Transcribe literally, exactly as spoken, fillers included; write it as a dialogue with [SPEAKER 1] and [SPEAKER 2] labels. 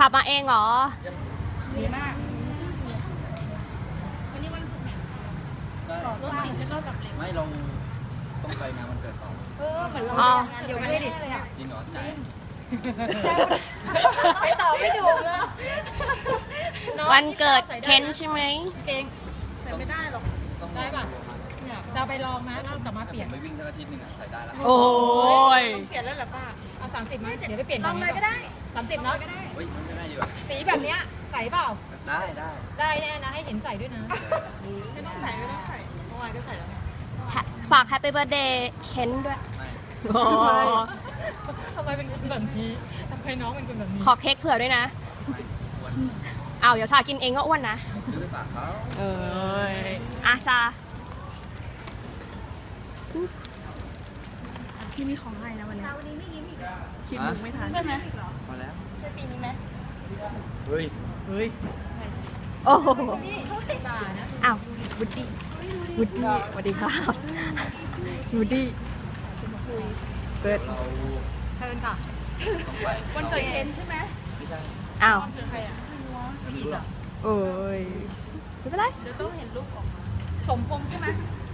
[SPEAKER 1] บมาเองเหรอ
[SPEAKER 2] ดีมากวันนี้วันศุกร์เนี่ยรถติดแล้วก็แบบเร็ว
[SPEAKER 3] ไม่เราต้องไปงานวันเกิดต่อ
[SPEAKER 2] เออเหมือนเรา
[SPEAKER 1] อ๋อ
[SPEAKER 2] เดี๋ยวไม่ได้ดิเลยอ่ะ
[SPEAKER 3] จริงเหรอจ่าย
[SPEAKER 2] ไปต่อไม่ถูกเลย
[SPEAKER 1] วันเกิดเคนใช่ไหม
[SPEAKER 2] เก่งแต่ไม่ได้หรอก
[SPEAKER 3] ต้อง
[SPEAKER 2] ได้ป่ะเนี่ยจะไปลองนะแล้วกลับมาเปลี่ยน
[SPEAKER 3] ผมไปวิ่งสักอาทิตย์หนึ่งอะใส่ได้แล้ว
[SPEAKER 1] โอ้ย
[SPEAKER 2] ต้องเปลี่ยนแล้วเหรอป้าเอาสามสิบมั้ยเดี๋ยวไปเปลี่ยนลองเลยก็ได้สามสิบเนาะ
[SPEAKER 3] เฮ้ยมันไม่ได้ดีกว่า
[SPEAKER 2] สีแบบเนี้ยใส่เปล่า
[SPEAKER 3] ได้ได้
[SPEAKER 2] ได้แน่นะให้เห็นใส่ด้วยนะไม่ต้องใส่ไม่ต้องใส่เมื่อวานก็ใส่แล้วไง
[SPEAKER 1] ฝากแฮปปี้เบิร์ดเดย์เคนด้วย
[SPEAKER 3] ไม่
[SPEAKER 1] โอ้
[SPEAKER 2] ทำไมเป็นคนแบบนี้ทำไมน้องเป็นคนแบบนี้
[SPEAKER 1] ขอเค้กเผื่อด้วยนะ
[SPEAKER 3] ไม่ควร
[SPEAKER 1] เอาเดี๋ยวชากินเองก็อ้วนนะ
[SPEAKER 3] ซื้อไปฝากเขา
[SPEAKER 1] เอออ่ะจ้า
[SPEAKER 4] พี่มีของให้นะวันนี้
[SPEAKER 2] วันนี้ไม่ยิ้มอีก
[SPEAKER 4] คิดมุกไม่ทัน
[SPEAKER 2] ใช่ไหม
[SPEAKER 3] พอแล้ว
[SPEAKER 2] ใช่ปีนี้ไหม
[SPEAKER 3] เฮ้ย
[SPEAKER 4] เฮ้ย
[SPEAKER 1] โอ้โห
[SPEAKER 2] นี่เขาติดตานะ
[SPEAKER 1] อ้าวบุดดี้
[SPEAKER 4] วุดดี้สวัสดีครับวุดดี้เกิด
[SPEAKER 3] เรา
[SPEAKER 2] เชิญค่ะ
[SPEAKER 3] ต้องไป
[SPEAKER 2] วันเกิดเคนใช่ไหม
[SPEAKER 3] ไม่ใช่
[SPEAKER 1] อ้าว
[SPEAKER 2] คือใครอ่ะ
[SPEAKER 3] ไม่รู้หรอก
[SPEAKER 1] โอ้ยไม่เป็นไร
[SPEAKER 2] เดี๋ยวต้องเห็นรูปออกมาสมพงษ์ใช่ไหม